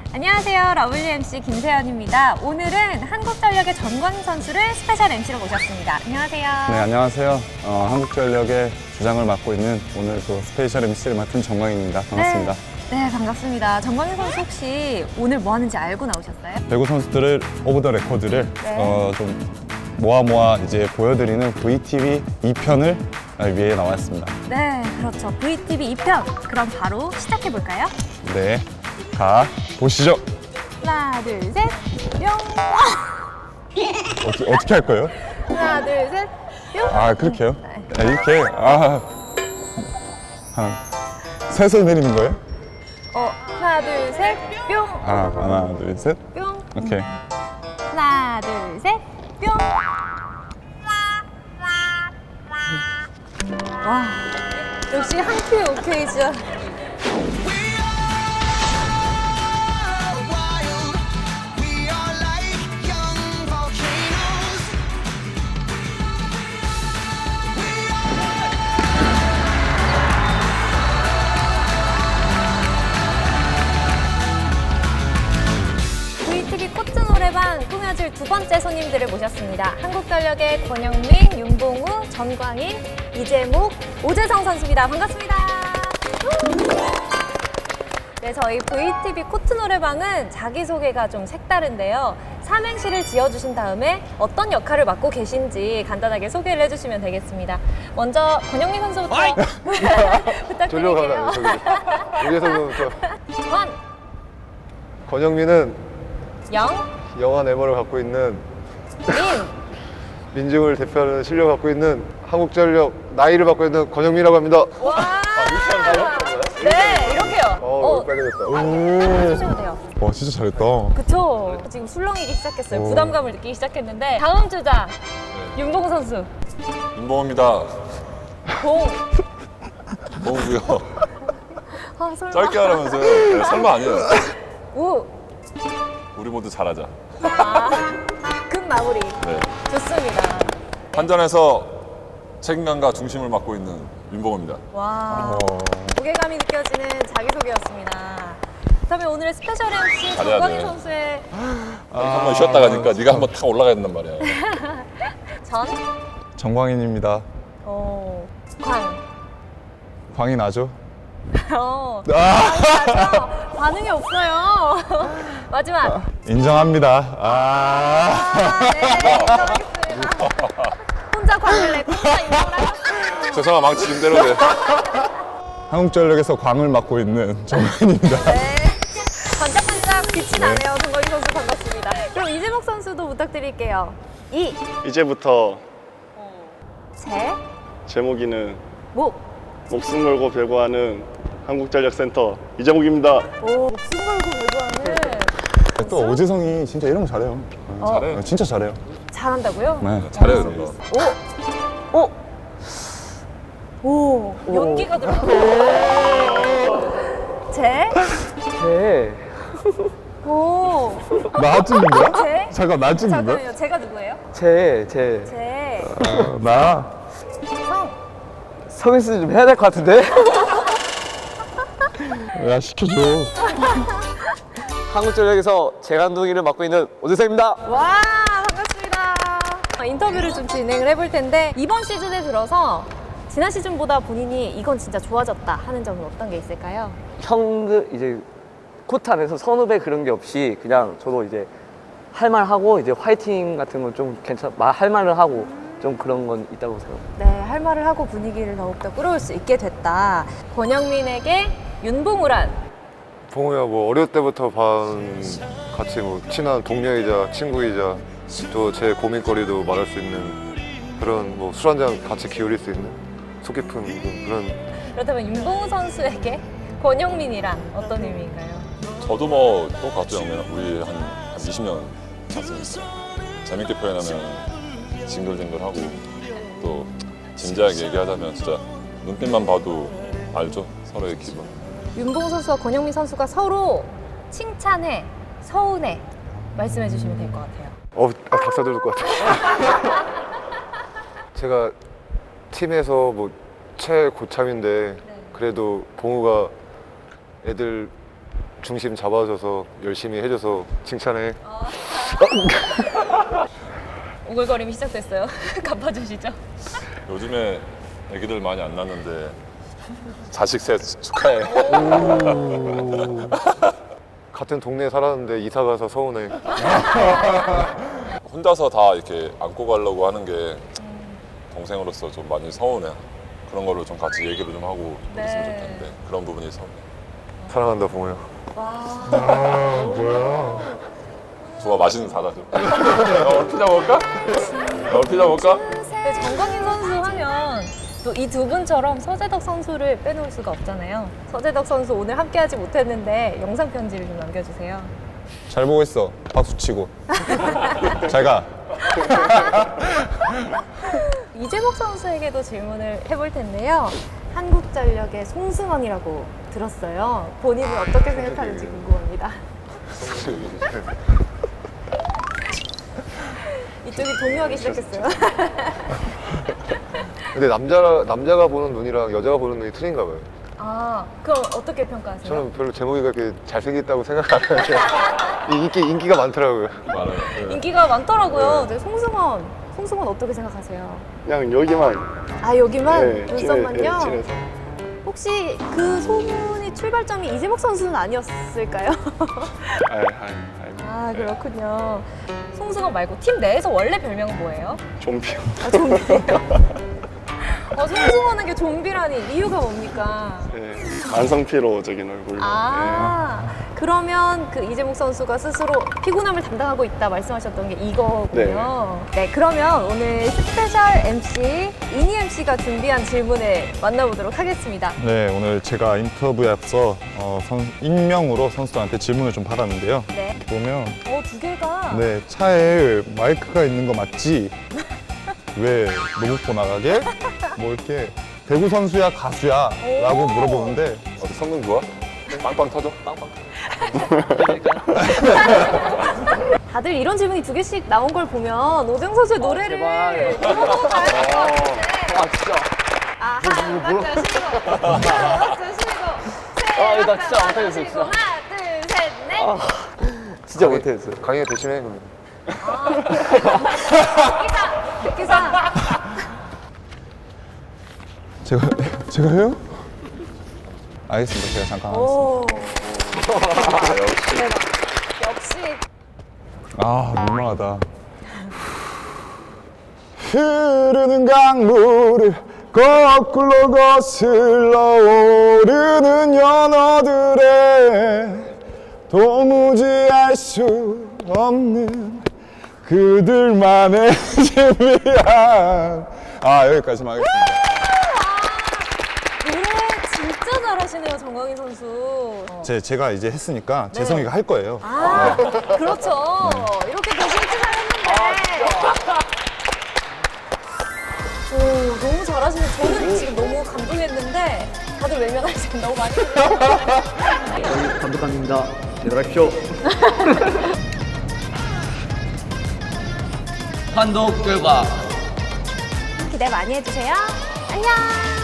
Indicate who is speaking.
Speaker 1: 안녕하세요. WMC 김세연입니다. 오늘은 한국전력의 정광인 선수를 스페셜 MC로 모셨습니다. 안녕하세요.
Speaker 2: 네, 안녕하세요. 한국전력의 주장을 맡고 있는 오늘 그 스페셜 MC를 맡은 정광인입니다. 반갑습니다.
Speaker 1: 네, 반갑습니다. 정광인 선수 혹시 오늘 뭐 하는지 알고 나오셨어요?
Speaker 2: 배구 선수들을 오브 더 레코드를
Speaker 1: 네.
Speaker 2: 좀 모아 이제 보여드리는 VTV 2편을 위해 나왔습니다.
Speaker 1: 네, 그렇죠. VTV 2편. 그럼 바로 시작해볼까요?
Speaker 2: 네, 가 보시죠.
Speaker 1: 하나, 둘, 셋, 뿅!
Speaker 2: 어떻게 할 거예요?
Speaker 1: 하나, 둘, 셋, 뿅!
Speaker 2: 아, 그렇게요?
Speaker 1: 네.
Speaker 2: 아, 이렇게? 셋을 내리는 거예요?
Speaker 1: 하나, 둘, 셋, 뿅!
Speaker 2: 하나, 둘, 셋.
Speaker 1: 뿅!
Speaker 2: 오케이.
Speaker 1: 하나, 둘, 셋, 뿅! 와, 역시 한 큐에 오케이, 진짜. VTV 코트 노래방 꾸며줄 두 번째 손님들을 모셨습니다. 한국전력의 권영민, 윤봉우, 전광인, 이재목, 오재성 선수입니다. 반갑습니다. 네, 저희 VTV 코트 노래방은 자기소개가 좀 색다른데요. 삼행시를 지어주신 다음에 어떤 역할을 맡고 계신지 간단하게 소개를 해주시면 되겠습니다. 먼저 권영민 선수부터 부탁드릴게요.
Speaker 3: 여기서부터
Speaker 1: 권,
Speaker 3: 권영민은
Speaker 1: 영,
Speaker 3: 영화 네머를 갖고 있는
Speaker 1: 민.
Speaker 3: 민중을 대표하는 실력을 갖고 있는 한국전력 나이를 갖고 있는 권영민이라고 합니다.
Speaker 1: 와! 네, 이렇게요.
Speaker 3: 빨리 됐다.
Speaker 1: 해주시면 돼요.
Speaker 2: 와, 진짜 잘했다.
Speaker 1: 그쵸? 지금 술렁이기 시작했어요. 부담감을 느끼기 시작했는데 다음 주자 윤봉 선수.
Speaker 4: 윤봉입니다.
Speaker 1: 봉.
Speaker 4: 봉구요.
Speaker 1: 아, 설마.
Speaker 4: 짧게 하라면서요. 네, 설마 아니에요.
Speaker 1: 우.
Speaker 4: 우리 모두 잘하자.
Speaker 1: 급 마무리.
Speaker 4: 네.
Speaker 1: 좋습니다.
Speaker 4: 한전에서 책임감과 중심을 맡고 있는 윤봉입니다.
Speaker 1: 와. 무게감이 느껴지는 자기소개였습니다. 그다음에 오늘의 스페셜 MC
Speaker 4: 잘해야
Speaker 1: 정광인
Speaker 4: 돼.
Speaker 1: 선수의
Speaker 4: 한번 쉬었다 가니까 네가 한번 탁 올라가야 된단 말이야.
Speaker 1: 전.
Speaker 2: 정광인입니다.
Speaker 1: 광.
Speaker 2: 광이 나죠?
Speaker 1: 맞아. 반응이 없어요. 마지막.
Speaker 2: 인정합니다.
Speaker 1: 네, 인정하겠습니다. 혼자 광을 내고 혼자 인정을 하셨어요.
Speaker 4: 세상아 망치 임대로 돼.
Speaker 2: 한국전력에서 광을 맡고 있는 정광인입니다.
Speaker 1: 네. 반짝반짝 빛이 나네요. 정광인 선수 반갑습니다. 그럼 이재목 선수도 부탁드릴게요.
Speaker 5: 이제부터
Speaker 1: 제,
Speaker 5: 제목이는
Speaker 1: 목.
Speaker 5: 목숨 걸고 배구하는 한국전력센터 이재목입니다.
Speaker 1: 목숨 걸고 배구하는.
Speaker 2: 또 오재성이 진짜 이런 거 잘해요.
Speaker 4: 잘해.
Speaker 2: 진짜 잘해요.
Speaker 1: 잘한다고요?
Speaker 2: 네.
Speaker 4: 잘해 그런 거.
Speaker 1: 오, 연기가 들어가. 제, 오,
Speaker 2: 나 찍는 거야?
Speaker 1: 제?
Speaker 2: 잠깐, 나 찍는 거야?
Speaker 1: 잠깐만요. 제가 누구예요?
Speaker 6: 제
Speaker 1: 제,
Speaker 2: 나?
Speaker 1: 성.
Speaker 6: 서비스 좀 해야 될 것 같은데?
Speaker 2: 야, 시켜줘.
Speaker 6: 한국전력에서 재간둥이를 맡고 있는 오재성입니다.
Speaker 1: 와, 반갑습니다. 인터뷰를 좀 진행을 해볼 텐데 이번 시즌에 들어서 지난 시즌보다 본인이 이건 진짜 좋아졌다 하는 점은 어떤 게 있을까요?
Speaker 6: 형들 이제 코트 안에서 선후배 그런 게 없이 그냥 저도 이제 할 말 하고 이제 화이팅 같은 건 좀 할 말을 하고 좀 그런 건 있다고 생각합니다.
Speaker 1: 네, 할 말을 하고 분위기를 더욱더 끌어올 수 있게 됐다. 권영민에게 윤봉우란?
Speaker 3: 봉우야 뭐 어릴 때부터 같이 뭐 친한 동료이자 친구이자 또 제 고민거리도 말할 수 있는 그런 뭐 술 한잔 같이 기울일 수 있는 속 깊은 그런.
Speaker 1: 그렇다면 윤봉우 선수에게 권영민이란 어떤 의미인가요?
Speaker 4: 저도 뭐 똑같죠. 우리 한 20년 찼으니까 재밌게 표현하면 징글징글하고 또 진지하게 얘기하자면 진짜 눈빛만 봐도 알죠. 서로의 기분.
Speaker 1: 윤봉우 선수와 권영민 선수가 서로 칭찬해, 서운해 말씀해 주시면 될 것 같아요.
Speaker 3: 닭살 돋을 것 같아. 제가 팀에서 뭐 최고참인데 그래도 봉우가 애들 중심 잡아줘서 열심히 해줘서 칭찬해.
Speaker 1: 오글거림이 시작됐어요. 갚아주시죠.
Speaker 4: 요즘에 애기들 많이 안 낳는데 자식 셋 축하해.
Speaker 3: 같은 동네에 살았는데 이사 가서 서운해.
Speaker 4: 혼자서 다 이렇게 안고 가려고 하는 게 동생으로서 좀 많이 서운해. 그런 걸로 좀 같이 얘기를 좀 하고
Speaker 1: 네.
Speaker 4: 있으면 좋겠는데 그런 부분이 서운해.
Speaker 3: 사랑한다 봉호야.
Speaker 4: 좋아, 맛있는 사다 줘. 피자 먹을까? 피자 먹을까?
Speaker 1: 근데 정광인 선수 하면 또 이 두 분처럼 서재덕 선수를 빼놓을 수가 없잖아요. 서재덕 선수 오늘 함께하지 못했는데 영상 편지를 좀 남겨주세요.
Speaker 2: 잘 보고 있어. 박수 치고. 잘 가.
Speaker 1: 이재복 선수에게도 질문을 해볼 텐데요. 한국전력의 송승헌이라고 들었어요. 본인은 어떻게 생각하는지 궁금합니다. 이쪽이 동요하기 시작했어요.
Speaker 3: 근데 남자가 보는 눈이랑 여자가 보는 눈이 틀린가 봐요.
Speaker 1: 아, 그럼 어떻게 평가하세요?
Speaker 3: 저는 별로 제목이가 그렇게 잘생겼다고 생각 안 하는데 인기가 많더라고요.
Speaker 4: 많아요.
Speaker 1: 인기가 많더라고요. 네, 송승헌 어떻게 생각하세요?
Speaker 5: 그냥 여기만
Speaker 1: 아, 여기만?
Speaker 5: 네,
Speaker 1: 눈썹만요?
Speaker 5: 진해서.
Speaker 1: 혹시 그 소문이 출발점이 이재복 선수는 아니었을까요? 아, 그렇군요. 송승헌 말고 팀 내에서 원래 별명은 뭐예요?
Speaker 5: 좀비요.
Speaker 1: 아, 좀비예요. 송승헌에게 좀비라니 이유가 뭡니까?
Speaker 5: 네, 만성피로적인 얼굴로.
Speaker 1: 아, 그러면 그 이재복 선수가 스스로 피곤함을 담당하고 있다 말씀하셨던 게 이거군요. 네, 그러면 오늘 스페셜 MC 이니 MC가 준비한 질문을 만나보도록 하겠습니다.
Speaker 2: 네, 오늘 제가 인터뷰에 앞서 익명으로 선수들한테 질문을 좀 받았는데요.
Speaker 1: 네.
Speaker 2: 보면
Speaker 1: 두 개가.
Speaker 2: 네, 차에 마이크가 있는 거 맞지? 왜 로봇보 나가게? 뭐 이렇게 배구 선수야 가수야? 라고 물어보는데
Speaker 4: 어때, 성능 좋아? 빵빵 터져? 빵빵.
Speaker 1: 다들 이런 질문이 두 개씩 나온 걸 보면 오정 선수의 노래를
Speaker 6: 제발.
Speaker 1: 들어보고 가야 될 것 같은데.
Speaker 6: 진짜.
Speaker 1: 아, 하나, 둘, 쉬고. 하나, 둘, 쉬고. 셋,
Speaker 6: 나 진짜
Speaker 1: 하나,
Speaker 6: 못하겠어,
Speaker 1: 둘,
Speaker 6: 진짜.
Speaker 1: 쉬고. 하나, 둘, 셋, 넷.
Speaker 6: 진짜 못했어요.
Speaker 3: 강의가 대신해 그러면.
Speaker 1: 기사.
Speaker 2: 제가 해요? 알겠습니다. 제가 잠깐 하겠습니다.
Speaker 1: 오. 대박. 역시.
Speaker 2: 아, 민망하다. 흐르는 강물을 거꾸로 거슬러 오르는 연어들의 도무지 알 수 없는 그들만의 신비한 여기까지만 하겠습니다.
Speaker 1: 노래 진짜 잘하시네요, 정광인 선수.
Speaker 2: 제가 이제 했으니까 재성이가 할 거예요.
Speaker 1: 아, 그렇죠. 이렇게 대신 칭찬했는데. 오, 너무 잘하시네. 저는 지금 너무 감동했는데 다들 외면하시고 너무 많이 해주세요.
Speaker 6: 감독관입니다. 제대로하십시오.
Speaker 7: 판독 결과
Speaker 1: 기대 많이 해주세요. 안녕.